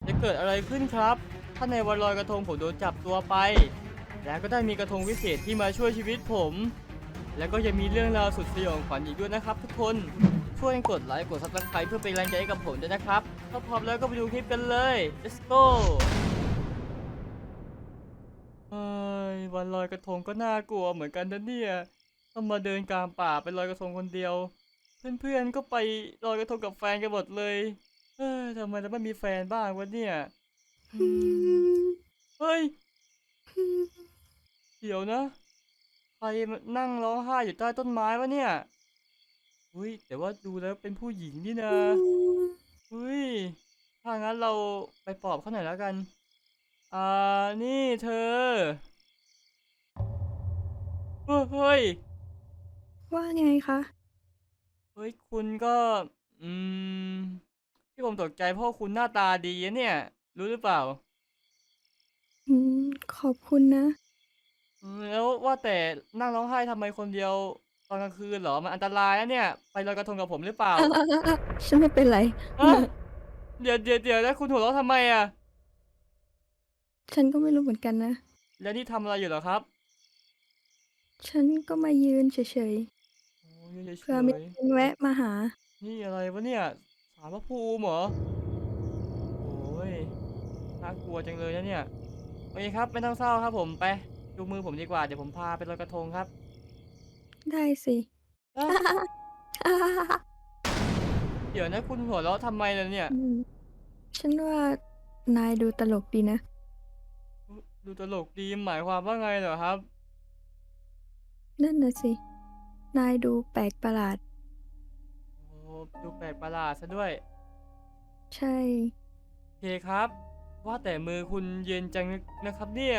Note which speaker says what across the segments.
Speaker 1: จะเกิดอะไรขึ้นครับ ถ้าในวันลอยกระทงผมโดนจับตัวไป แล้วก็ได้มีกระทงวิเศษที่มาช่วยชีวิตผม แล้วก็ยังมีเรื่องราวสุดสยองขวัญอีกด้วยนะครับทุกคน ช่วยกดไลค์กด Subscribe เพื่อเป็นแรงใจให้กับผมด้วยนะครับ ถ้าพร้อมแล้วก็ไปดูคลิปกันเลย let's go เฮ้ยวันลอยกระทงก็น่ากลัวเหมือนกันนะเนี่ยต้องมาเดินกลางป่าไปลอยกระทงคนเดียว เพื่อนๆก็ไปลอยกระทงกับแฟนกันหมดเลยทำไมเราไม่มีแฟนบ้างวะเนี่ยอืมเฮ้ยเดี๋ยวนะใครมานั่งร้องไห้อยู่ใต้ต้นไม้วะเนี่ยเฮ้ยแต่ว่าดูแล้วเป็นผู้หญิงนี่นะเฮ้ยถ้างั้นเราไปปลอบเขาหน่อยแล้วกันอ่านี่เธอเฮ้ย
Speaker 2: ว่าไงคะ
Speaker 1: เฮ้ยคุณก็อืมที่ผมตกใจเพราะคุณหน้าตาดีนะเนี่ยรู้หรือเปล่า
Speaker 2: อืมขอบคุณนะ
Speaker 1: แล้วว่าแต่นั่งร้องไห้ทำไมคนเดียวตอนกลางคืนเหรอมันอันตรายนะเนี่ยไปลอยกระทงกับผมหรือเปล่า
Speaker 2: ฉันไม่เป็นไร
Speaker 1: ฮะเดี๋ยวนะคุณหัวเราะทำไมอะ
Speaker 2: ฉันก็ไม่รู้เหมือนกันนะ
Speaker 1: แล้วนี่ทำอะไรอยู่เหรอครับ
Speaker 2: ฉันก็มายืนเฉย
Speaker 1: โอ้ยเฉ
Speaker 2: ๆเผื่อมี
Speaker 1: ย
Speaker 2: คนแวะมาหา
Speaker 1: ๆนี่อะไรวะเนี่ยศาลพระภูมิเหรอโอ้ยน่ากลัวจังเลยนะเนี่ยโอเคครับไม่ต้องเศร้าครับผมไปดูมือผมดีกว่าเดี๋ยวผมพาไปลอยกระทงครับ
Speaker 2: ได้สิ
Speaker 1: เอ๊ะ เดี๋ยวนะคุณหัวเราะทำไมล่ะเนี่ย
Speaker 2: อืมฉันว่านายดูตลกดีนะ
Speaker 1: ดูตลกดีหมายความว่าไงเหรอครับ
Speaker 2: นั่นน่ะสิ นายดูแปลกประหลาด
Speaker 1: โอ้ดูแปลกประหลาดซะด้วย
Speaker 2: ใช่
Speaker 1: โอเคครับว่าแต่มือคุณเย็นจังนะครับเนี่ย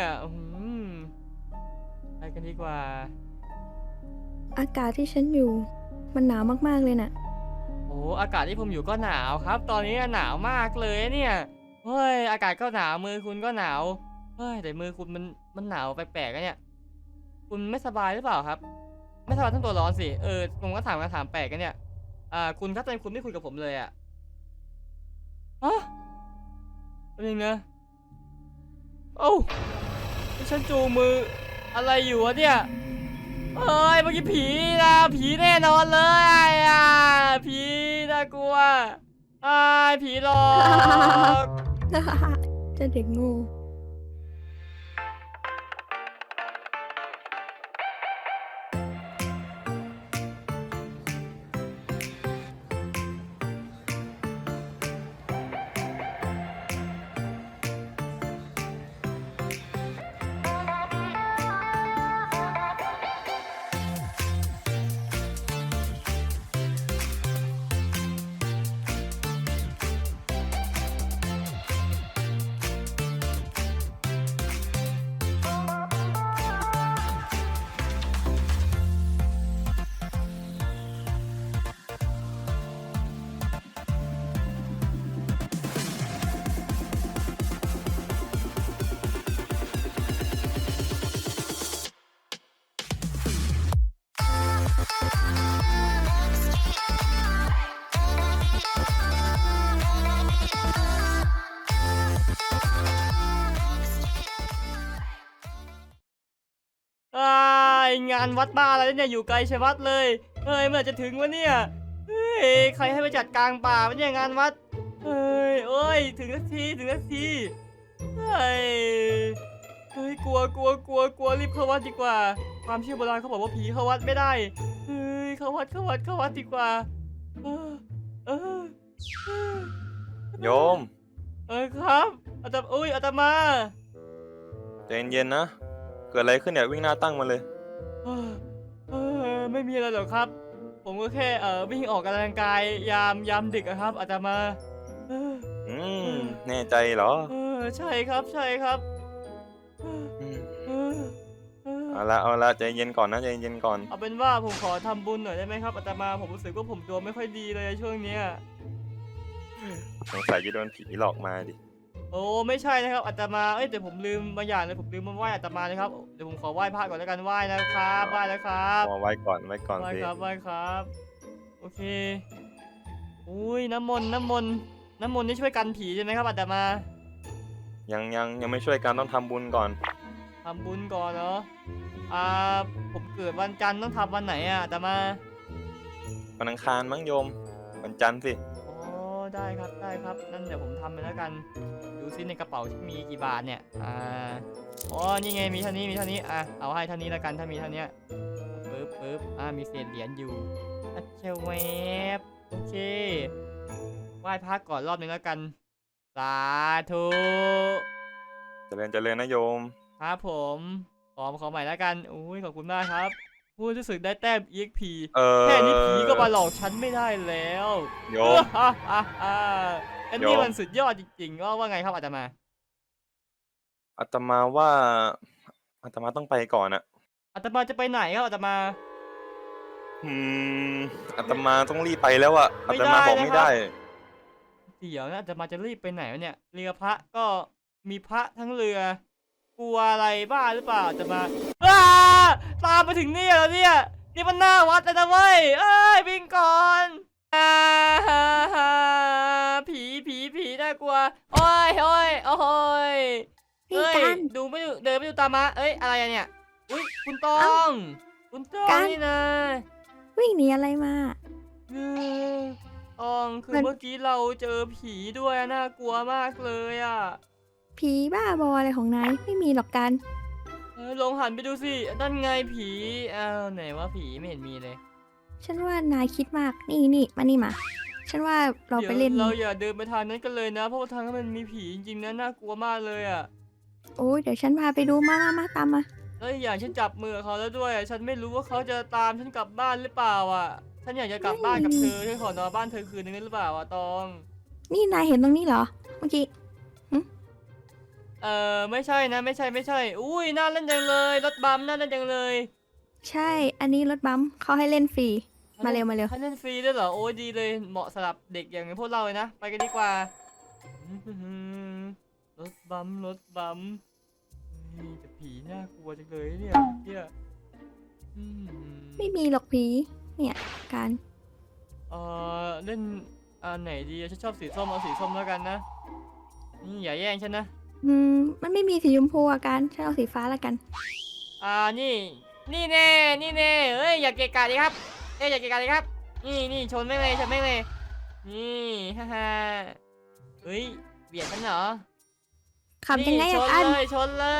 Speaker 1: ไปกันดีกว่า
Speaker 2: อากาศที่ฉันอยู่ มันหนาวมากๆเลยน่ะ
Speaker 1: โอ้อากาศที่ผมอยู่ก็หนาวครับตอนนี้หนาวมากเลยเนี่ยเฮ้ยอากาศก็หนาวมือคุณก็หนาวเฮ้ยแต่มือคุณมันหนาวแปลกๆอะเนี่ยคุณไม่สบายหรือเปล่าครับไม่สบายทั้งตัวร้อนสิผมก็ถามคำถามแปลกกันเนี่ยคุณครับทำไมคุณไม่คุยกับผมเลยอะฮะ แป๊บนึงนะเอ้านี่ฉันจูงมืออะไรอยู่วะเนี่ยเอ้ยเมื่อกี้ผีนะผีแน่นอนเลยผีน่ากลัวผีหลอก
Speaker 2: เจ้าเด็กโง่
Speaker 1: อ้ายงานวัดบ้าอะไรเนี่ยอยู่ไกลชะมัดเลยเฮ้ยเมื่อไหร่จะถึงวะเนี่ยเฮ้ยใครให้ไปจัดกลางป่าวะเนี่ยงานวัดเฮ้ยโอ้ยถึงสักทีถึงสักทีเฮ้ยเฮ้ยกลัวรีบเข้าวัดดีกว่าความเชื่อโบราณเขาบอกว่าผีเข้าวัดไม่ได้เฮ้ยเข้าวัดดีกว่าเออเออเออ
Speaker 3: โยม
Speaker 1: ครับอาตมา
Speaker 3: ใจเย็นๆนะเกิดอะไรขึ้นเนี่ยวิ่งหน้าตั้งมาเลย
Speaker 1: เออไม่มีอะไรหรอกครับ ผมก็แค่วิ่งออกกำลังกายยามดึกอะครับอาตมาเออ
Speaker 3: อื
Speaker 1: เอ
Speaker 3: ม
Speaker 1: อ
Speaker 3: แน่ใจเหรอ
Speaker 1: ใช่ครับใช่ครับเออ
Speaker 3: อืม
Speaker 1: เออเออ
Speaker 3: เอาละใจเย็นก่อนนะใจเย็นก่อน
Speaker 1: เอาเป็นว่าผมขอทำบุญหน่อยได้ไหมครับอาตมาผมรู้สึกว่าผมดวงไม่ค่อยดีเลยช่วงเนี้ย
Speaker 3: สงสัยจะโดนผีหลอกมาดิ
Speaker 1: โอ้ไม่ใช่นะครับอาตมาแต่ผมลืมบางอย่างเลยผมลืมมาไหว้อาตมานะครับเดี๋ยวผมขอไหว้พระก่อนแล้วกันไหว้นะครับไหว้แล้วครับ
Speaker 3: เอาไว้ก่อนสิ
Speaker 1: ไหว้ครับโอเคอุ้ยน้ำมนต์นี่ช่วยกันผีใช่ไหมครับอาตมา
Speaker 3: ยังไม่ช่วยกันต้องทำบุญก่อน
Speaker 1: ทำบุญก่อนเนาะอ่าผมเกิดวันจันทร์ต้องทำวันไหนอ่ะแต่มา
Speaker 3: วันอังคารมั้งโยม วันจันทร์สิ
Speaker 1: อ๋อได้ครับได้ครับนั่นเดี๋ยวผมทำไปแล้วกันดูซิในกระเป๋ามีกี่บาทเนี่ยอ๋อนี่ไงมีเท่านี้มีเท่านี้เอาให้เท่านี้แล้วกันถ้ามีเท่านี้ปึ๊บมีเศษเหรียญอยู่อัจเชวเวบโอเคไหว้พระก่อนรอบนึงแล้วกันสาธุ
Speaker 3: เจริญนะโยม
Speaker 1: ครับผมขอใหม่แล้วกันอุ้ยขอบคุณมากครับพูดรู้สึกได้แต้ม EXP แค่นี้ผีก็มาหลอกฉันไม่ได้แล้ว
Speaker 3: โยม
Speaker 1: อันนี้มันสุดยอดจริงๆว่าไงครับอาตมา
Speaker 3: อาตมาว่าอาตมาต้องไปก่อนอะ
Speaker 1: อาตมาจะไปไหนครับอาตมา
Speaker 3: อืมอาตมาต้องรีบไปแล้วอะอาตมาบอกไม่ได้
Speaker 1: เดี๋ยวนะอาตมาจะรีบไปไหนวะเนี่ยเรือพระก็มีพระทั้งเรือกลัวอะไรบ้าหรือเปล่าอาตมาตามมาถึงนี่แล้วเนี่ยนี่มันหน้าวัดเลยนะเว้ยเอ้ยวิ่งก่อนผีน่ากลัวโอ้ยโอ้ย
Speaker 2: พี่กัน
Speaker 1: ดูไม่ดูเดินไม่ดูตามมาเอ้ยอะไรอะเนี่ยอุ้ยคุณตอง คุณตองนี่นะ
Speaker 2: วิ่งหนีอะไรมา
Speaker 1: ตองคือเมื่อกี้เราเจอผีด้วยน่ากลัวมากเลยอ่ะ
Speaker 2: ผีบ้าบออะไรของนายไม่มีหรอกกัน
Speaker 1: ลองหันไปดูสินั่นไงผีไหนว่าผีไม่เห็นมีเลย
Speaker 2: ฉันว่านายคิดมากนี่มานี่มาฉันว่าเราไปเล่น
Speaker 1: เราอย่าเดินไปทางนั้นกันเลยนะเพราะว่าทางนั้นมันมีผีจริงๆนะน่ากลัวมากเลยอ่ะ
Speaker 2: โอ้ยเดี๋ยวฉันพาไปดูมาตามมา
Speaker 1: แล้วอีกอย่างฉันจับมือเขาแล้วด้วยฉันไม่รู้ว่าเขาจะตามฉันกลับบ้านหรือเปล่าอ่ะฉันอยากจะกลับบ้านกับเธอฉันขอนอนบ้านเธอคืนนึงได้หรือเปล่าอ่ะตอง
Speaker 2: นี่นายเห็นตรงนี้เหรอเมื่อกี้
Speaker 1: ไม่ใช่นะไม่ใช่อุ้ยน่าเล่นจังเลยรถบัมน่าเล่นจังเลย
Speaker 2: ใช่อันนี้รถบัมป์เขาให้เล่นฟรีมาเร็ว
Speaker 1: ให้เล่นฟรีด้วยเหรอโอ้ยดีเลยเหมาะสำหรับเด็กอย่างพวกเราเลยนะไปกันดีกว่ารถบัมแต่ผีน่ากลัวจังเลยเนี่ย
Speaker 2: ไม่มีหรอกผีเนี่ยการ
Speaker 1: เล่นอันไหนดีฉันชอบสีส้มเอาสีส้มแล้วกันนะนี่อย่าแย่งฉันนะ
Speaker 2: มันไม่มีสีชมพูอาการฉันเอาสีฟ้าละกัน
Speaker 1: นี่แน่เอ้ยอย่าเกะกะดิครับอย่าเกะกะดิครับนี่ชนไม่เลยนี่ฮ่าเฮ้ยเบียดฉันเหรอ
Speaker 2: ขับยังไง
Speaker 1: ช
Speaker 2: อะ
Speaker 1: น
Speaker 2: กัน
Speaker 1: เลย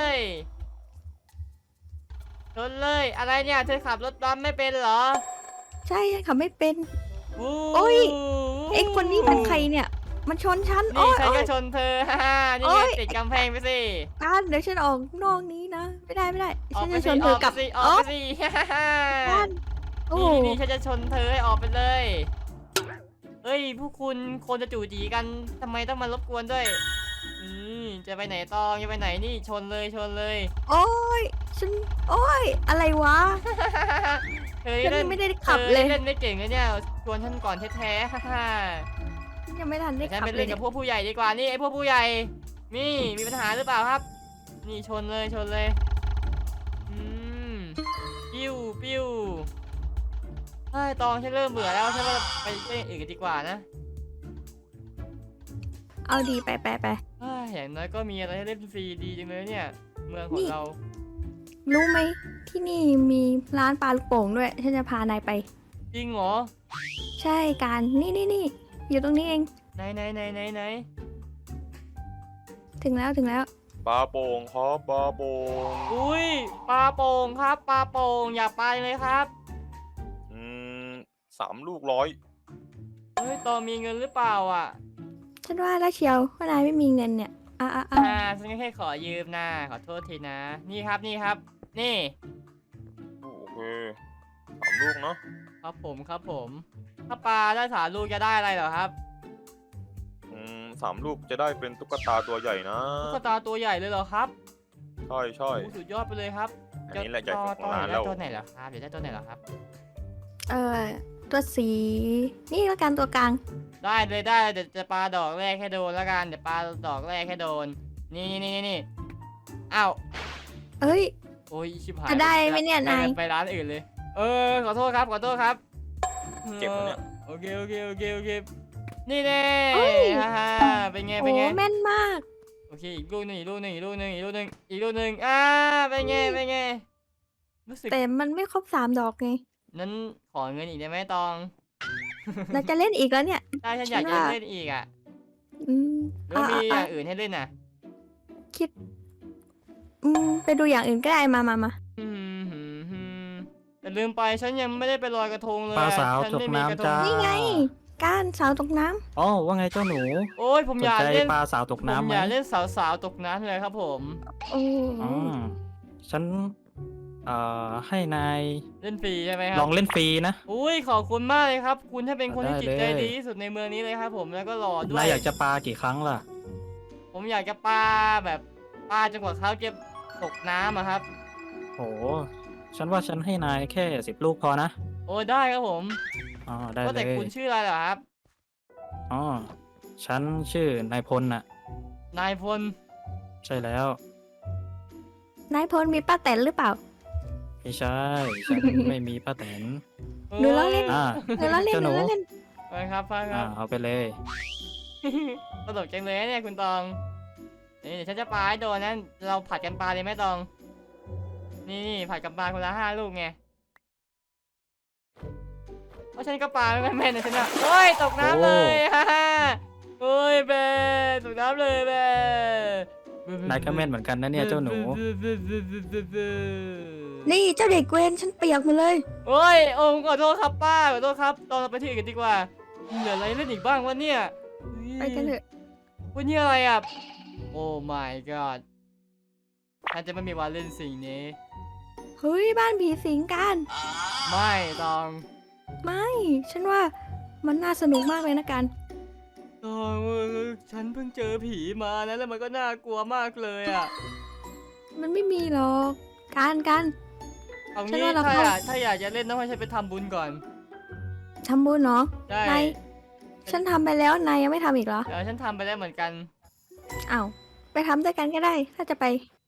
Speaker 1: อะไรเนี่ยเธอขับรถบัมไม่เป็นเหรอ
Speaker 2: ใช่ฉันขับไม่เป็น
Speaker 1: โอ้
Speaker 2: โอ้ย ไอ้คนนี้เป็นใครเนี่ย มันชนฉันโอ้
Speaker 1: นี่
Speaker 2: ย
Speaker 1: ฉัน
Speaker 2: โอ้
Speaker 1: ก็
Speaker 2: ย
Speaker 1: ชนเธอนี่
Speaker 2: โอ๊
Speaker 1: ไง
Speaker 2: ย
Speaker 1: ติดกำแพงไปสิ
Speaker 2: กันเดี๋ยวฉันออกนอกนี้นะไม่ได้
Speaker 1: ออ
Speaker 2: ฉั
Speaker 1: ก
Speaker 2: น
Speaker 1: ไป
Speaker 2: จะช
Speaker 1: สิ
Speaker 2: นเธอกลับ
Speaker 1: ออกไปสิ
Speaker 2: กันโอ้
Speaker 1: นี่ฉันจะชนเธอให้ออกไปเลยเฮ้ยพวกคุณคนจะจู่จีกันทำไมต้องมารบกวนด้วยจะไปไหนตองจะไปไหนนี่ชนเลย
Speaker 2: โอ้ยฉันโอ้ยอะไรวะ
Speaker 1: เธอ
Speaker 2: ฉัน
Speaker 1: เล่
Speaker 2: ยังไม่ได้ขับเลย
Speaker 1: เล่นไม่เก่งเลยเนี่ยชวนฉันก่อนแท้ๆ
Speaker 2: ฉันยังไม่ทันได้
Speaker 1: ฉัน
Speaker 2: ขับ
Speaker 1: ไป
Speaker 2: เล
Speaker 1: เล่
Speaker 2: ย
Speaker 1: น
Speaker 2: เนี่
Speaker 1: กับ
Speaker 2: ย
Speaker 1: พวกผู้ใหญ่ดีกว่านี่ไอ้พวกผู้ใหญ่นี่มีปัญหาหรือเปล่าครับ นี่ชนเลยปิ้วเฮ้ยตองฉันเริ่มเบื่อแล้วฉันว่าไปเล่นอื่นกันดีกว่านะ
Speaker 2: เอาดีไป
Speaker 1: เฮ้ยอย่างน้อยก็มีอะไรให้เล่นฟรีดีจังเลยเนี่ย เมืองของ
Speaker 2: นี่
Speaker 1: เรา
Speaker 2: รู้ไหมที่นี่มีร้านปลาลูกโป่งด้วยฉันจะพานายไป
Speaker 1: จริงเหรอ
Speaker 2: ใช่การนี่อยู่ตรงนี้เอง
Speaker 1: ไหน
Speaker 2: ถึงแล้ว
Speaker 3: ปลาโป่งครับปลาโป่ง
Speaker 1: อุ้ยปลาโป่งครับปลาโป่งอยากไปเลยครับ
Speaker 3: อืม3 ลูก100
Speaker 1: เฮ้ยตองมีเงินหรือเปล่าอ่ะ
Speaker 2: ฉันว่าแล้วเชียวว่านายไม่มีเงินเนี่ย
Speaker 1: ฉันก็แค่ขอยืมนะขอโทษทีนะ นี่ครับ นี่
Speaker 3: โอเค3 ลูกเนาะ
Speaker 1: ครับผม ถ้าปลาได้3 ลูกจะได้อะไรเหรอครับ
Speaker 3: 3 ลูกจะได้เป็นตุ๊กตาตัวใหญ่นะ
Speaker 1: ตุ๊กตาตัวใหญ่เลยเหรอครับ
Speaker 3: ใช่
Speaker 1: โอ้สุดยอดไปเลยครับ
Speaker 3: อันนี้แหละใหญ่สุดของร้าน
Speaker 1: ได้
Speaker 3: แล้ว
Speaker 1: ตัวไหนเหรอครับเดี๋ยวได้ตัวไหนเหรอครับ
Speaker 2: ตัวสีนี่แล้วกันตัวกลาง
Speaker 1: ได้เลยเดี๋ยวจะปลาดอกแรกให้โดนแล้วกันเดี๋ยวปลาดอกแรกให้โดนนี่อ้าว
Speaker 2: เอ้ย
Speaker 1: โอ้ยชิบหาย
Speaker 2: จะได้ไหมเนี่ยนาย
Speaker 1: ไปร้านอื่นเลยขอโทษครับ
Speaker 3: เจ็บปะเนี่ย
Speaker 1: โอเคนี่แน่
Speaker 2: เอ้ย
Speaker 1: ฮ่าเป็นไง
Speaker 2: โอ้แม่นมาก
Speaker 1: โอเคอีกลูกหนึ่งอีกลูกหนึ่งอีกลูกหนึ่งอีกลูกหนึ่งอีกลูกหนึ่งเป็นไงเป็นไงรู้สึก
Speaker 2: แต่มันไม่ครบ3 ดอกไง
Speaker 1: นั้นขอเงินอีกได้ไหมตอง
Speaker 2: เราจะเล่นอีกแล้วเนี่ย
Speaker 1: ใช่ฉันอยาก
Speaker 2: ฉั
Speaker 1: จะ
Speaker 2: นว่า
Speaker 1: เล่นอีกอ่ะ
Speaker 2: อืม
Speaker 1: หรือว่ามีอย่างอื่นให้เล่นอ่ะ
Speaker 2: คิดไปดูอย่างอื่นก็ได้มา
Speaker 1: อืมแต่ลืมไปฉันยังไม่ได้ไปลอยกระทงเลย
Speaker 4: ปลาสาว
Speaker 1: ฉัน
Speaker 4: ตก
Speaker 1: ไม่มีกระท
Speaker 4: น้ำจ้า
Speaker 1: ง
Speaker 2: นี่ไง ก้านสาวตกน้ำ
Speaker 4: อ๋อว่าไงเจ้าหนู
Speaker 1: โอ้ยผม
Speaker 4: ส
Speaker 1: อน ยาก
Speaker 4: ใจ
Speaker 1: เล่น
Speaker 4: ปลาสาวตก
Speaker 1: ผม
Speaker 4: น้ำไหม
Speaker 1: อยากเล่นสาวๆตกน้ำเลยครับผม
Speaker 2: โอ้
Speaker 4: อ๋อฉันให้นาย
Speaker 1: เล่นฟรีใช่ไหมครั
Speaker 4: ลองเล่นฟรีนะ
Speaker 1: อุ้ยขอบคุณมากเลยครับ คุณถ้าเป็นคนที่
Speaker 4: ได้
Speaker 1: จิตใจ
Speaker 4: เลย
Speaker 1: ดีที่สุดในเมืองนี้เลยครับผมแล้วก็หล่อด้วน
Speaker 4: าย
Speaker 1: ย
Speaker 4: อยากจะปลากี่ครั้งล่ะ
Speaker 1: ผมอยากจะปาแบบปาจนกว่าเขาจะตกน้ำอะครับ
Speaker 4: โหฉันว่าฉันให้นายแค่10 ลูกพอนะ
Speaker 1: โอ้ได้ครับผม
Speaker 4: อ๋อได้
Speaker 1: ก็
Speaker 4: เล
Speaker 1: แต่
Speaker 4: ย
Speaker 1: คุณชื่ออะไรเหรอครับ
Speaker 4: อ๋อฉันชื่อนายพลน่ะ
Speaker 1: นายพล
Speaker 4: ใช่แล้ว
Speaker 2: นายพลมีป้าแตนหรือเปล่า
Speaker 4: ไม่ใช่ฉัน ไม่มีป้าแตน
Speaker 2: หนูล้อเล่น
Speaker 4: อ่า
Speaker 2: หนูล้อเล่น
Speaker 4: เจ้า
Speaker 2: ห
Speaker 4: หนู
Speaker 2: นูล้อเล่น
Speaker 1: ไปครับไปค
Speaker 4: อ่า
Speaker 1: รับ
Speaker 4: เอาไปเลย
Speaker 1: ตลกจังเลยนะเนี่ยคุณตองนี่เดี๋ยวฉันจะปาให้โดนนะเราผัดกันปาเลยไหมตอง นี่ผัดกันปาคนละ5 ลูกไงเพราะฉันก็ปาไม่แม่นนะฉันอะโอ้ยตกน้ำเลย ฮ่าฮ่าโอ้ยเบตกน้ำเลยเบ
Speaker 4: นายก็แม่นเหมือนกันนะเนี่ยเจ้าหนู
Speaker 2: นี่เจ้าเด็กเวนฉันเปียกหมดเลย
Speaker 1: โอ้ยโอ้ขอโทษครับป้าขอโทษครับตอนเราไปที่อื่นกันดีกว่าเหลืออะไรเล่นอีกบ้างวะเนี่ย
Speaker 2: ไปกันเถอะ
Speaker 1: วันนี้อะไรอ่ะโอ้ my god ฉันจะไม่มีวันเล่นสิ่งนี้
Speaker 2: เฮ้ยบ้านผีสิงกัน
Speaker 1: ไม่ตอง
Speaker 2: ไม่ ฉันว่ามันน่าสนุกมากเลยนะกัน
Speaker 1: ตองฉันเพิ่งเจอผีมานะแล้วมันก็น่ากลัวมากเลยอ่ะ
Speaker 2: มันไม่มีหรอกกัน
Speaker 1: เอา
Speaker 2: ฉัน
Speaker 1: งี้
Speaker 2: ว่าเรา
Speaker 1: ถ้าอยากจะเล่นต้องให้ฉันไปทำบุญก่อน
Speaker 2: ทำบุญเนาะ
Speaker 1: ใช่
Speaker 2: นายฉันทำไปแล้วนายยังไม่ทำอีกเหรอ
Speaker 1: เดี๋ยวฉันทำไปแล้วเหมือนกัน
Speaker 2: อ้าวไปทำด้วยกันก็ได้ ถ้าจะไป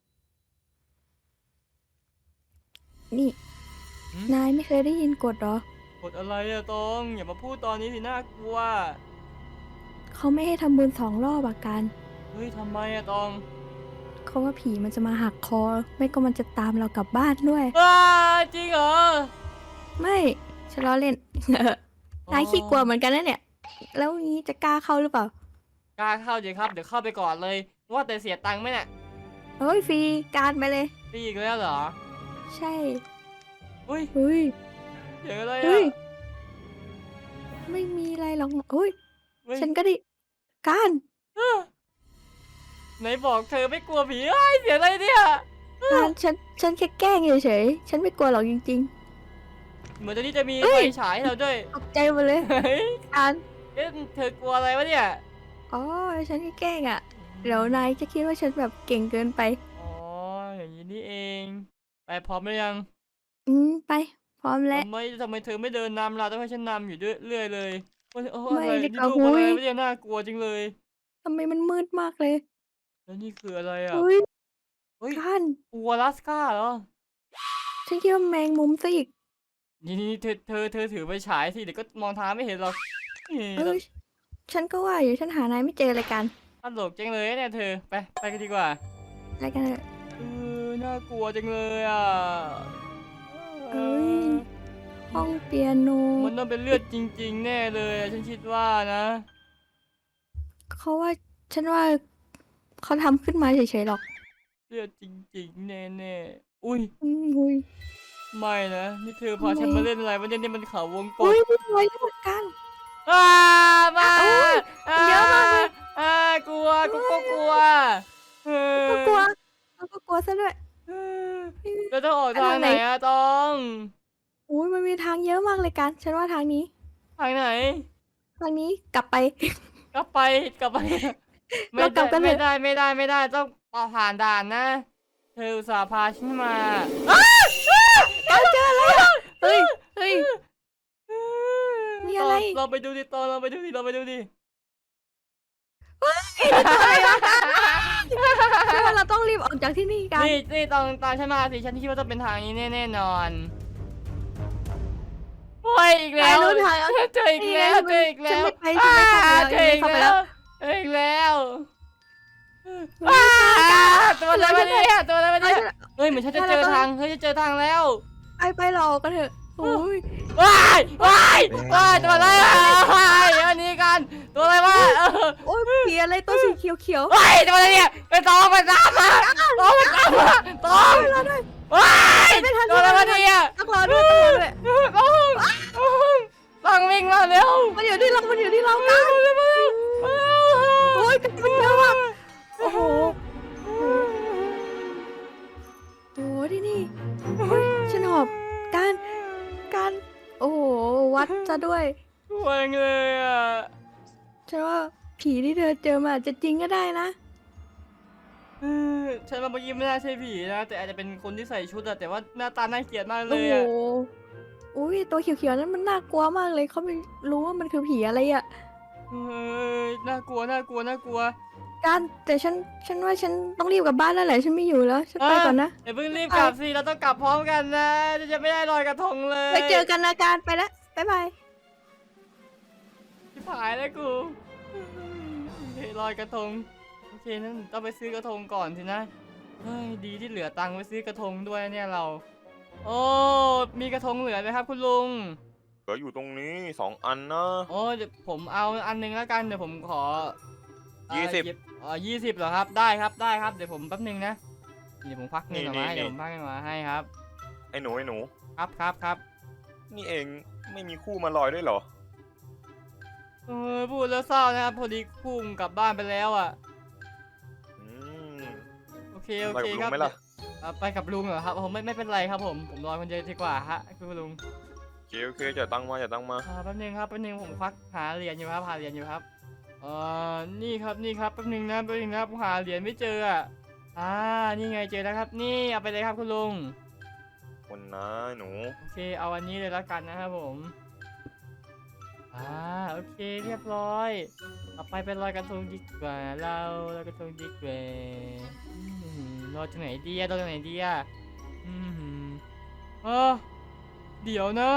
Speaker 2: นี่
Speaker 1: หืม
Speaker 2: นายไม่เคยได้ยินกฎเหรอ
Speaker 1: กดอะไรอะตองอย่ามาพูดตอนนี้สิน่ากลัว
Speaker 2: เขาไม่ให้ทำบุญ2 รอบอะกัน
Speaker 1: เฮ้ยทำไมอะตอง
Speaker 2: เขาว่าผีมันจะมาหักคอ ไม่ก็มันจะตามเรากลับบ้านด้วย
Speaker 1: ว้าจริงเหรอ
Speaker 2: ไม่ฉันล้อเล่น นายขี้กลัวเหมือนกันนะเนี่ย แล้วนี้จะกล้าเข้าหรือเปล่า
Speaker 1: กล้าเข้าดิครับเดี๋ยวเข้าไปก่อนเลยว่าแต่เสียตังค์ไหมเนี่ย
Speaker 2: เฮ้ยฟรีการไปเลย
Speaker 1: ปีอีกแล้วเหรอ
Speaker 2: ใช่
Speaker 1: อุ้ย
Speaker 2: เฮ้ย
Speaker 1: เสียงอะไร
Speaker 2: เฮ้
Speaker 1: อะ
Speaker 2: ย ไม่มีอะไรหรอกเฮ้ย
Speaker 1: เฮ้ย
Speaker 2: ฉันก็ดิการ
Speaker 1: ไหนบอกเธอไม่กลัวผีเอ้ยเสียงอะไรเนี่ย
Speaker 2: การฉันแค่แกล้งเฉยๆ ฉันไม่กลัวหรอกจริง
Speaker 1: เหมือนตอนนี้จะมี
Speaker 2: เฮ้
Speaker 1: ไฟ
Speaker 2: ย
Speaker 1: ฉายให้เราด้วย
Speaker 2: ๆ ตกใจหมดเลย
Speaker 1: เฮ้ย
Speaker 2: การ
Speaker 1: เอ๊ะเธอกลัวอะไรวะเนี่ย
Speaker 2: อ๋อ ฉันแค่แกล้งอ่ะ เดี๋ยวนายจะคิดว่าฉันแบบเก่งเกินไป
Speaker 1: อ๋ออย่างนี้นี่เอง ไปพร้อมหรือยัง
Speaker 2: ไป พร้อมแล้ว
Speaker 1: ทำไมเธอไม่เดินนำล่ะต้องให้ฉันนำอยู่เรื่อยเลยโอ้ย
Speaker 2: ไม่
Speaker 1: อะไร
Speaker 2: ดี
Speaker 1: นี่
Speaker 2: กว่า
Speaker 1: ลูกอะไร
Speaker 2: หุ้ย
Speaker 1: ไม่ได้น่ากลัวจริงเลย
Speaker 2: ทำไมมันมืดมากเลย
Speaker 1: แล้วนี่คืออะไรอ่ะ
Speaker 2: เฮ้ย
Speaker 1: เฮ้ย
Speaker 2: การ
Speaker 1: อัวลัสกาเหรอ
Speaker 2: ฉันคิดว่าแมงมุมซะอีก
Speaker 1: นี่เธอถือไปฉายสิเดี๋ยวก็มองทางไม่เห็นหรอกนี่
Speaker 2: เอ้ย ฉันก็ว่าอยู่ฉันหานายไม่เจอเลยกัน
Speaker 1: ตลกจังเลยเนี่ยเธอไปกันดีกว่า
Speaker 2: อะไรกันเถอะ
Speaker 1: น่ากลัวจังเลยอ่ะ
Speaker 2: เอ้ย ห้องเปียโน
Speaker 1: มันต้องเป็นเลือดจริง ๆ แน่เลยอะฉันคิดว่านะ
Speaker 2: เขาว่า ฉันว่าเขาทำขึ้นมาเฉยๆหรอก
Speaker 1: เลือดจริง ๆ แน่ๆอุ้ย
Speaker 2: อุ้ย
Speaker 1: ไม่นะนี่เธอพาฉัน
Speaker 2: ทำไม
Speaker 1: มาเล่นอะไรวะเนี่ยนี่มันเขาวงก
Speaker 2: อุ้
Speaker 1: ต
Speaker 2: ยมีรอยเลือดกัน
Speaker 1: มา
Speaker 2: อุ๊ยเยอะมากเลย
Speaker 1: กลัวกูก็กลัวเออ
Speaker 2: ก็กลัวเราก็กลัวซะด้วย
Speaker 1: แล้วต้องออก
Speaker 2: ไป
Speaker 1: ทา
Speaker 2: ทาง ง
Speaker 1: ไห
Speaker 2: ไห
Speaker 1: น
Speaker 2: น
Speaker 1: อะตอง
Speaker 2: อุ้ยมันมีทางเยอะมากเลยกัน ฉันว่าทางนี้
Speaker 1: ทางไหน
Speaker 2: ทางนี้กลับไป
Speaker 1: กลับไปไม่
Speaker 2: เรากลับกันเถ
Speaker 1: ไม่
Speaker 2: อะ
Speaker 1: ได้ต้องผ่านด่านนะ เธออุตส่าห์พาฉันมา
Speaker 2: การเจออะไรอ่ะเฮ้ย เฮ้ย มีอะไร
Speaker 1: เราไปดูดิตอนเราไปดูดิ
Speaker 2: ฉันว่าเราต้องรีบออกจากที่นี่กัน
Speaker 1: นี่ตอนฉันมาสิฉันคิดว่าต้องเป็นทางนี้แน่นอนโอ้ยอีกแล้ว
Speaker 2: ไปรู้ทาง
Speaker 1: เจออีกแล้ว
Speaker 2: ฉันไม่ไปฉันไม่เข้าไปแล้ว
Speaker 1: เจออีก
Speaker 2: ฉันไม่เข้าไป
Speaker 1: แล้
Speaker 2: แล้ว ว
Speaker 1: เจออีกแล้วว้าตัวอะไรวะเนี่ยตัวอะไรวะเนี่ยเฮ้ยเหมือนฉันจะเจอทางเฮ้ยจะเจอทางแล้ว
Speaker 2: ไปหลอกกันเถอะโอ้ย
Speaker 1: ว้ายตัวอะไรอ่ะอันนี้กันตัวอะไรวะ
Speaker 2: โอ้ยผีอะไรตัวสีเขียว
Speaker 1: ว้ายตัวอะไรเนี่ยไปตองมาตองว้ายตัวอะไรวะเนี่ย
Speaker 2: ต้องรอด้วย
Speaker 1: ต้องวิ่งมาเร็ว
Speaker 2: มันอยู่ที่เรากันโอ้ยกันมันเยอะมากโอ้โหที่นี่ฉันหอบการโอ้โหวัดซะด้วย
Speaker 1: วงเลยอ่ะ
Speaker 2: ฉันว่าผีที่เธอเจอมาอาจจะจริงก็ได้นะ
Speaker 1: ฉันว่าเมื่อกี้ไม่น่าใช่ผีนะแต่อาจจะเป็นคนที่ใส่ชุดอะแต่ว่าหน้าตาน่าเกลียดมากเล
Speaker 2: โอ้
Speaker 1: ย
Speaker 2: โห
Speaker 1: อะ
Speaker 2: อุ้ยตัวเขียวๆนั้นมันน่ากลัวมากเลยเขาไม่รู้ว่ามันคือผีอะไรอ่ะ
Speaker 1: น่ากลัว
Speaker 2: การแต่ฉันว่าฉันต้องรีบกลับบ้านแล้วแหละฉันไม่อยู่แล้วฉันไปก่อนนะ
Speaker 1: เดี๋ยวเพิ่งรีบกลับสิเราต้องกลับพร้อมกันนะจะไม่ได้ลอยกระทงเลย
Speaker 2: ไปเจอกันนะการไปแล้วบ๊ายบาย
Speaker 1: ชิบหายแล้วกูลอยกระทงโอเคนั้นต้องไปซื้อกระทงก่อนสินะเฮ้ยดีที่เหลือตังค์ไปซื้อกระทงด้วยเนี่ยเราโอ้มีกระทงเหลือไหมครับคุณลุง
Speaker 3: เหลืออยู่ตรงนี้2 อันนะ
Speaker 1: โอ้เดี๋ยวผมเอาอันนึงแล้วกันเดี๋ยวผมขอ
Speaker 3: 20
Speaker 1: 20เหรอครับได้ครับเดี๋ยวผมแป๊บนึงนะเดี๋ยวผมพักเงินออกมาให้
Speaker 3: นี่
Speaker 1: เดี๋ยวผมพักเงินมาให้ครับ
Speaker 3: ไอ้หนู
Speaker 1: ครับ
Speaker 3: นี่เองไม่มีคู่มาลอยด้วยเหรอ
Speaker 1: พูดแล้วเศร้านะครับพอดีคู่ผมกลับบ้านไปแล้วอ่ะ
Speaker 3: อืม
Speaker 1: โอเค
Speaker 3: ไปกับลุ
Speaker 1: ค
Speaker 3: ง
Speaker 1: รับ
Speaker 3: ไหมล่ะ
Speaker 1: ไปกับลุงเหรอครับผมไม่เป็นไรครับผมรอคนเดียวดีกว่าฮะคุณลุง
Speaker 3: โอเคจ่ายตังค์มา
Speaker 1: แป๊บนึงผมควักหาเหรียญอยู่ครับนี่ครับแป๊บนึงนะผมหาเหรียญไม่เจออ่ะนี่ไงเจอแล้วครับนี่เอาไปเลยครับคุณลุง
Speaker 3: คนนะหนู
Speaker 1: โอเคเอาอันนี้เลยแล้วกันนะครับผมโอเคเรียบร้อยต่อไปเป็นลอยกระทงดีกว่าเราลอยกระทงดีกว่าลอยจากไหนดีอะเดี๋ยวนะ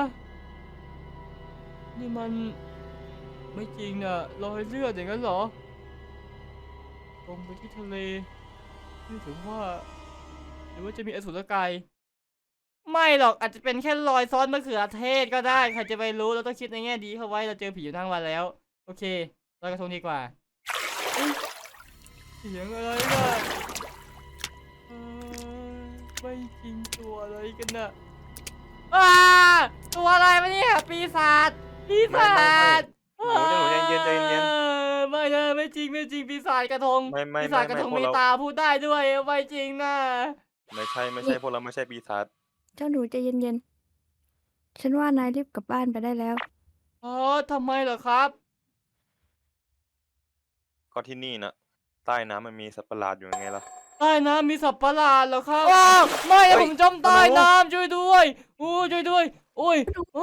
Speaker 1: นี่มันไม่จริงน่ะรอยเลือดอย่างนั้นเหรอลงไปที่ทะเลนี่ถึงว่าหรือว่าจะมีอสุรกายไม่หรอกอาจจะเป็นแค่รอยซ้อนมะเขือเทศก็ได้ใครจะไปรู้เราต้องคิดในแง่ดีเข้าไว้เราเจอผีอยู่ทั้งวันแล้วโอเคลอยกระทงดีกว่าเสียงอะไรน่ะไม่จริงตัวอะไรกันน่ะตัวอะไรวะเนี่ยปีศาจ
Speaker 3: หนูใจเย็น
Speaker 1: ไม่นะไม่จริงปีศาจกระทง
Speaker 3: ไม่
Speaker 1: ปีศาจกระทง
Speaker 3: พวก
Speaker 1: มี
Speaker 3: เรา
Speaker 1: ตาพูดได้ด้วยไม่จริงนะ
Speaker 3: ไม่ใช่พวกเราไม่ใช่ปีศาจ
Speaker 2: เจ้าหนูใจเย็นๆฉันว่านายรีบกลับบ้านไปได้แล้ว
Speaker 1: ทำไมเหรอครับ
Speaker 3: ก็ที่นี่นะใต้น้ำมันมีสัตว์ประหลาดอยู่ยังไงล่ะ
Speaker 1: ใต้น้ำมีสัตว์ประหลาดเหรอครับไม่
Speaker 3: เฮ้ย
Speaker 1: ผมจมใต้น้ำช่วยด้วยช่วยด้วยโอ้ย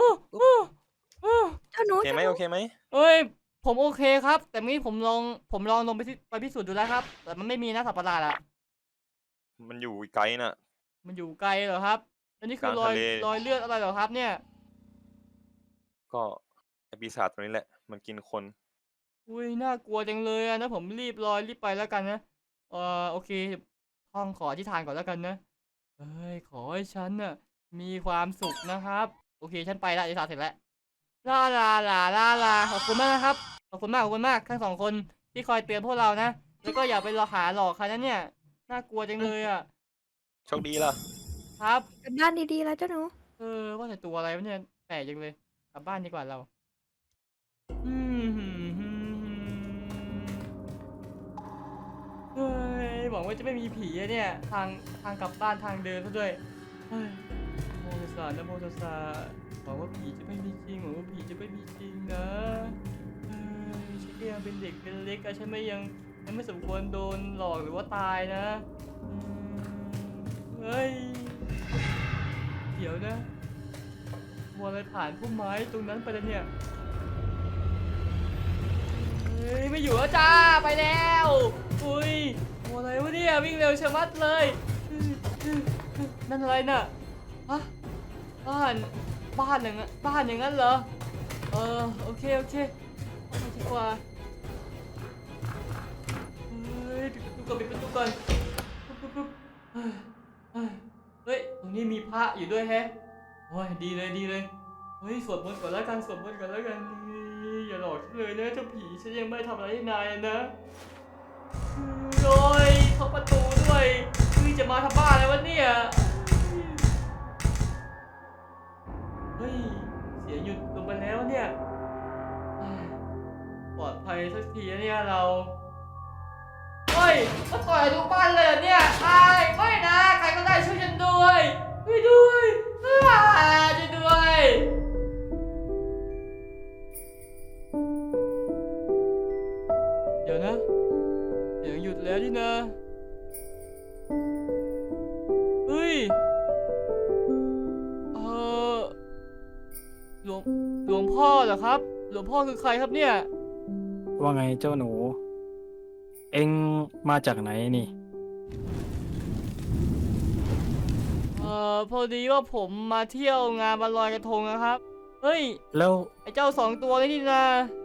Speaker 2: เจ้าหนู
Speaker 3: โอเคไหม
Speaker 1: เอ้ยผมโอเคครับ แต่เมื่อกี้ผมลองลงไปพิสูจน์ดูแล้วครับ แต่มันไม่มีนะสัตว์ประหลาดอะ
Speaker 3: มันอยู่ไกลน่ะ
Speaker 1: มันอยู่ไกลเหรอครับอันนี้คือก
Speaker 3: ลางทะเล
Speaker 1: รอยเลือดอะไรเหรอครับเนี่ย
Speaker 3: ก็ไอปีศาจตัวนี้แหละ มันกินคน
Speaker 1: อุ้ยน่ากลัวจังเลยอะนะผมรีบไปแล้วกันนะโอเคท่องขออธิษฐานก่อนแล้วกันนะเอ้ยขอให้ฉันน่ะมีความสุขนะครับโอเคฉันไปละอธิษฐานเสร็จแล้วลาขอบคุณมากนะครับขอบคุณมากทั้งสองคนที่คอยเตือนพวกเรานะแล้วก็อย่าไปหลอกใครนะเนี่ยน่ากลัวจังเลยอะ
Speaker 3: โชคดีล่ะ
Speaker 1: ครับ
Speaker 2: กลับบ้านดีๆแล้วเจ้าหนู
Speaker 1: ว่าแต่ตัวอะไรวะเนี่ยแปลกจังเลยกลับบ้านดีกว่าเราเฮ้ยหวังว่าจะไม่มีผีอะเนี่ยทางกลับบ้านทางเดินซะด้วยเฮ้ยนะโมตัสสะหวังว่าผีจะไม่มีจริงนะเฮ้ยฉันก็ยังเป็นเด็กเป็นเล็กอะฉันยังไม่สมควรโดนหลอกหรือว่าตายนะเฮ้ยเดี๋ยวนะวัวอะไรผ่านพุ่มไม้ตรงนั้นไปแล้วเนี่ยเฮ้ยไม่อยู่แล้วจ้าไปแล้วอุ้ยวัวอะไรวะเนี่ยวิ่งเร็วชะมัดเลยนั่นอะไรน่ะฮะบ้านอย่างนั้นเหรอโอเคไปดีกว่าเฮ้ยก่อนปิดประตูก่อนปุ๊บเฮ้ยเฮ้ยตรงนี้มีพระอยู่ด้วยแฮะโอ้ยดีเลยดีเลยเฮ้ยสวดมนต์ก่อนแล้วกันสวดมนต์ก่อนแล้วกันอย่าหลอกฉันเลยนะเจ้าผีฉันยังไม่ทำอะไรให้นายนะโอ้ยเข้าประตูด้วยจะมาทำบ้าอะไรวะเนี่ยเฮ้ยเสียงหยุดลงไปแล้วเนี่ยปลอดภัยสักทีนะเนี่ยเราเฮ้ยมาต่อยทุกบ้านเลยเหรอเนี่ยไม่นะใครก็ได้ช่วยฉันด้วยช่วยด้วยช่วยด้วยเดี๋ยวนะเสียงหยุดแล้วนี่นะเฮ้ยหลวงพ่อเหรอครับหลวงพ่อคือใครครับเนี่ย
Speaker 4: ว่าไงเจ้าหนู เอ็งมาจากไหนนี่
Speaker 1: พอดีว่าผมมาเที่ยวงานวันลอยกระทงนะครับเฮ้ย
Speaker 4: แล้ว
Speaker 1: ไอ้เจ้า2 ตัวนี่นะ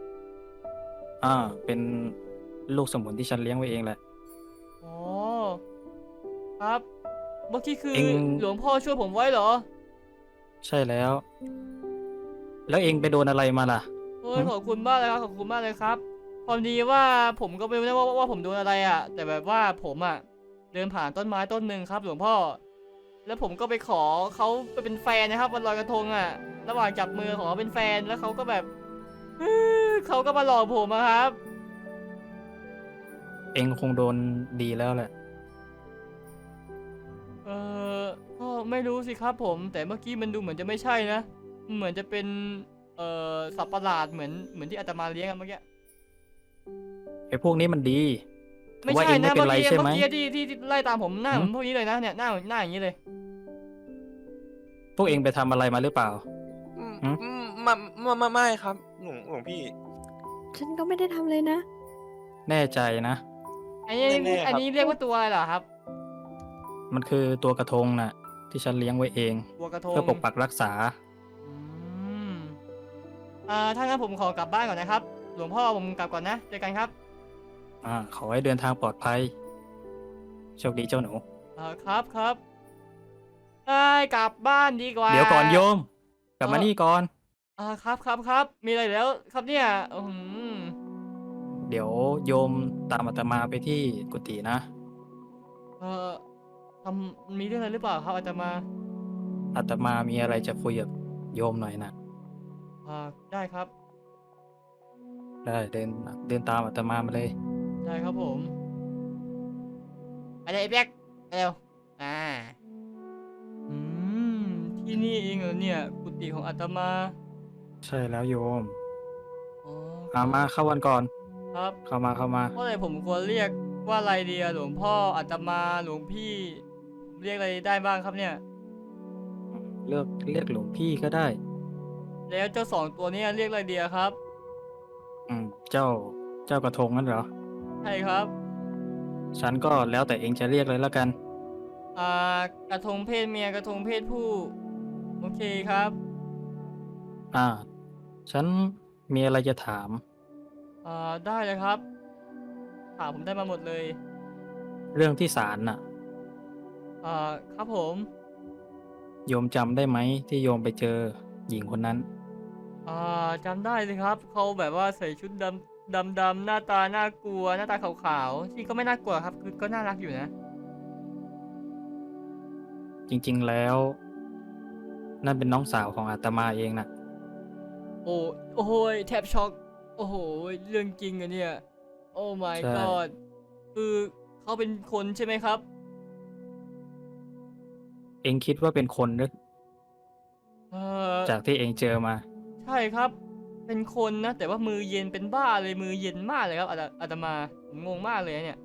Speaker 4: เป็นลูกสมุนที่ฉันเลี้ยงไว้เองแหละ
Speaker 1: อ๋อครับเมื่อกี้คือ
Speaker 4: เอ็ง
Speaker 1: หลวงพ่อช่วยผมไว้เหรอ
Speaker 4: ใช่แล้ว แล้วเอ็งไปโดนอะไรมาล่ะ
Speaker 1: เฮ้ยขอบคุณมากเลยครับขอบคุณมากเลยครับพอดีว่าผมก็ไม่รู้นะว่าผมโดนอะไรอ่ะแต่แบบว่าผมอ่ะเดินผ่านต้นไม้ต้นหนึ่งครับหลวงพ่อแล้วผมก็ไปขอเขาไปเป็นแฟนนะครับวันลอยกระทงอ่ะระหว่างจับมือขอเขาเป็นแฟนแล้วเขาก็แบบเขาก็มาหลอกผมอะครับ
Speaker 4: เอ็งคงโดนดีแล้วแหละ
Speaker 1: เออก็ไม่รู้สิครับผมแต่เมื่อกี้มันดูเหมือนจะไม่ใช่นะเหมือนจะเป็นสัตว์ประหลาดเหมือนที่อาตมาเลี้ยงกันเมื่อกี้
Speaker 4: ไอ้พวกนี้มันดี
Speaker 1: ไม่
Speaker 4: ว่า
Speaker 1: ใช่
Speaker 4: เอ็ง
Speaker 1: นะ
Speaker 4: ไม่เป็น
Speaker 1: เมื่อ
Speaker 4: ไร
Speaker 1: กี้
Speaker 4: ใช่ไหม
Speaker 1: ที่ไล่ตามผมหน้า
Speaker 4: หื
Speaker 1: เห
Speaker 4: ม
Speaker 1: มือนพวกนี้เลยนะเนี่ยหน้าอย่างนี้เลย
Speaker 4: พวกเอ็งไปทำอะไรมาหรือเปล่า หืม
Speaker 3: ไม่ครับหลวงพี่
Speaker 2: ฉันก็ไม่ได้ทำเลยนะ
Speaker 4: แน่ใจนะ
Speaker 1: อันนี้
Speaker 3: แน่ๆครับ
Speaker 1: อันนี้เรียกว่าตัวอะไรเหรอครับ
Speaker 4: มันคือตัวกระทงน่ะ ที่ฉันเลี้ยงไว้เอง
Speaker 1: ตัวกระทง
Speaker 4: เพื่อปกปักรักษา
Speaker 1: อืมถ้างั้นผมขอกลับบ้านก่อนนะครับ หลวงพ่อผมกลับก่อนนะเจอกันครับ
Speaker 4: ขอให้เดินทางปลอดภัย โชคดีเจ้าหนู
Speaker 1: ครับได้กลับบ้านดีกว่า
Speaker 4: เดี๋ยวก่อนโยม กลับมา
Speaker 1: เอ่อ
Speaker 4: นี่ก่อน
Speaker 1: ครับมีอะไรแล้วครับเนี่ย
Speaker 4: เดี๋ยวโยมตามอาตมาไปที่กุฏินะ
Speaker 1: เอ่อมีเรื่องอะไรหรือเปล่าครับอาตมา
Speaker 4: อาตมามีอะไรจะคุยกับโยมหน่อยนะ
Speaker 1: ได้ครับ
Speaker 4: ได้เดินตามอาตมามาเลย
Speaker 1: ได้ครับผมไปเลยไอ้แบ๊กไปเร็วอืมที่นี่เองเหรอเนี่ยกุฏิของอาตมา
Speaker 4: ใช่แล้วโยม
Speaker 1: อ๋อ
Speaker 4: มาเข้าวันก่อน
Speaker 1: ครับ
Speaker 4: เข้ามา
Speaker 1: เมื่อไหร่ผมควรเรียกว่าอะไรดีอะหลวงพ่ออาตมาหลวงพี่ เรียกอะไรได้บ้างครับเนี่ย
Speaker 4: เรียกหลวงพี่ก็ได้
Speaker 1: แล้วเจ้า2 ตัวเนี้เรียกอะไรดีอะครับ
Speaker 4: เจ้ากระทงนั่นเหรอ
Speaker 1: ใช่ครับ
Speaker 4: ฉันก็แล้วแต่เองจะเรียกเลยแล้วกัน
Speaker 1: กระทงเพศเมียกระทงเพศผู้โอเคครับ
Speaker 4: ฉันมีอะไรจะถาม
Speaker 1: ได้เลยครับถามผมได้มาหมดเลย
Speaker 4: เรื่องที่ศาลน่ะ
Speaker 1: ครับผม
Speaker 4: โยมจำได้ไหมที่โยมไปเจอหญิงคนนั้น
Speaker 1: จำได้เลยครับเขาแบบว่าใส่ชุดดำหน้าตาน่ากลัวหน้าตาขาวๆที่ก็ไม่น่ากลัวครับคือก็น่ารักอยู่นะ
Speaker 4: จริงๆแล้ว นั่นเป็นน้องสาวของอาตมาเองน่ะ
Speaker 1: โอ้โหแทบช็อกโอ้โหเรื่องจริงอะเนี่ยโอ้ my
Speaker 4: ใช่
Speaker 1: god คือเขาเป็นคนใช่ไหมครับ
Speaker 4: เองคิดว่าเป็นคนหรือ
Speaker 1: เออ
Speaker 4: จากที่เองเจอมา
Speaker 1: ใช่ครับ เป็นคนนะ แต่ว่ามือเย็นเป็นบ้าเลยมือเย็นมากเลยครับอาตมาผมงงมากเลยเนี่ย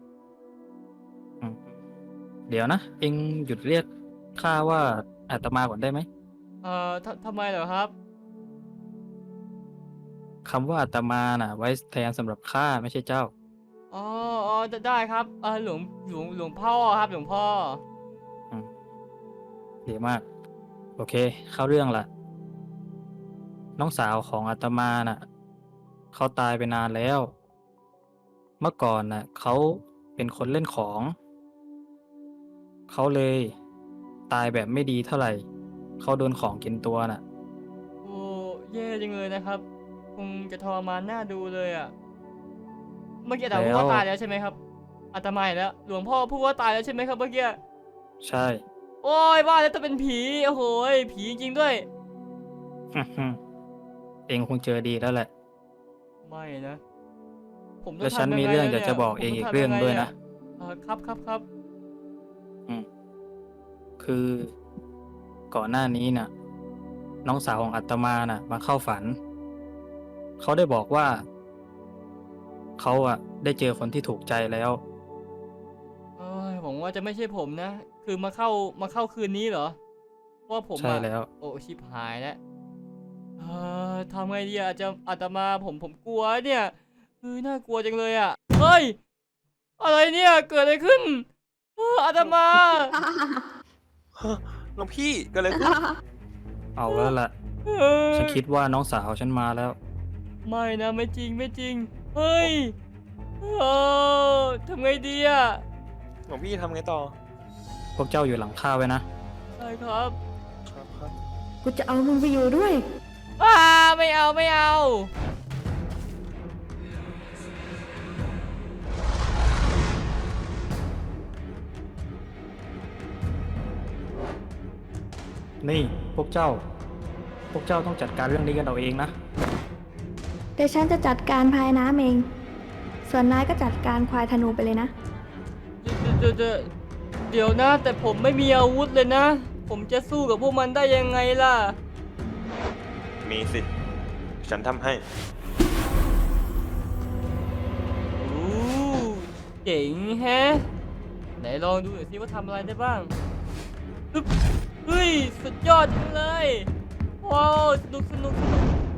Speaker 4: เดี๋ยวนะ เองหยุดเรียกข้าว่าอาตมาก่อนได้ไหม
Speaker 1: ทำไมเหรอครับ
Speaker 4: คำว่าอาตมาน่ะ ไว้แทนสำหรับข้าไม่ใช่เจ้า
Speaker 1: อ๋อได้ครับหลวงพ่อครับหลวงพ่อ
Speaker 4: ดีมาก โอเค เข้าเรื่องละน้องสาวของอาตมาน่ะเขาตายไปนานแล้ว เมื่อก่อนน่ะเขาเเป็นคนเล่นของ เขาเลยตายแบบไม่ดีเท่าไหร่ เขาโดนของกินตัวน่ะ
Speaker 1: โอ้แย่จังเลยนะครับ คงจะทรมานน่าดูเลยอ่ะ เมื่อกี้อาตมาพูดว่า
Speaker 4: แล้ว
Speaker 1: ตายแล้วใช่ไหมครับอาตมาอีกแล้วหลวงพ่อพูดว่าตายแล้วใช่ไหมครับเมื่อกี้
Speaker 4: ใช่
Speaker 1: โอ้ยว่าแล้วจะเป็นผีโอ้โหยผีจริงด้วย
Speaker 4: เองคงเจอดีแล้วแหละ
Speaker 1: ไม่นะ ผมต้อ
Speaker 4: และ
Speaker 1: ง
Speaker 4: ฉัน
Speaker 1: ทำยัง
Speaker 4: มี
Speaker 1: ไง
Speaker 4: เรื่อง
Speaker 1: แล้ว
Speaker 4: อยาก
Speaker 1: นี่
Speaker 4: จะบอก
Speaker 1: ผม
Speaker 4: เอง
Speaker 1: ต้
Speaker 4: อีก
Speaker 1: ทำ
Speaker 4: เรื่อง
Speaker 1: ไ
Speaker 4: ด้วยนะ
Speaker 1: ครับ
Speaker 4: อืมคือก่อนหน้านี้น่ะ น้องสาวของอาตมาน่ะ มาเข้าฝัน เขาได้บอกว่า เขาอะได้เจอคนที่ถูกใจแล้ว
Speaker 1: เอ้ยหวังว่าจะไม่ใช่ผมนะ คือมาเข้าคืนนี้เหรอเพราะว่าผม
Speaker 4: ใช่
Speaker 1: อะ
Speaker 4: แล้ว
Speaker 1: โอ้ชิบหายแล้วทำไงดีอะจะอาตมาผมกลัวเนี่ยน่ากลัวจังเลยอะเฮ้ยอะไรเนี่ยเกิดอะไรขึ้นอาตมา
Speaker 3: หลวงพี่เกิดอะไรขึ้น
Speaker 4: เอาแล้วล่ะ
Speaker 1: เออ
Speaker 4: ฉันคิดว่าน้องสาวฉันมาแล้ว
Speaker 1: ไม่นะไม่จริงเฮ้ยทำไงดีอะ
Speaker 3: หลวงพี่ทำไงต่อ
Speaker 4: พวกเจ้าอยู่หลังข้าไว้นะ
Speaker 1: ใช่ครับ
Speaker 3: ครับ
Speaker 2: กูจะเอามึงไปอยู่ด้วย
Speaker 1: ไม่เอา
Speaker 4: นี่พวกเจ้าต้องจัดการเรื่องนี้กันเอาเองนะ
Speaker 2: เดี๋ยวฉันจะจัดการพายน้ำเอง ส่วนนายก็จัดการควายธนูไปเลยนะ
Speaker 1: เดี๋ยวนะ แต่ผมไม่มีอาวุธเลยนะ ผมจะสู้กับพวกมันได้ยังไงล่ะ
Speaker 3: มีสิ ฉันทำให้
Speaker 1: เจ๋งแฮะ ไหนลองดูหน่อยสิว่าทำอะไรได้บ้างอึ๊บเฮ้ย สุดยอดจังเลย ว้าว สนุก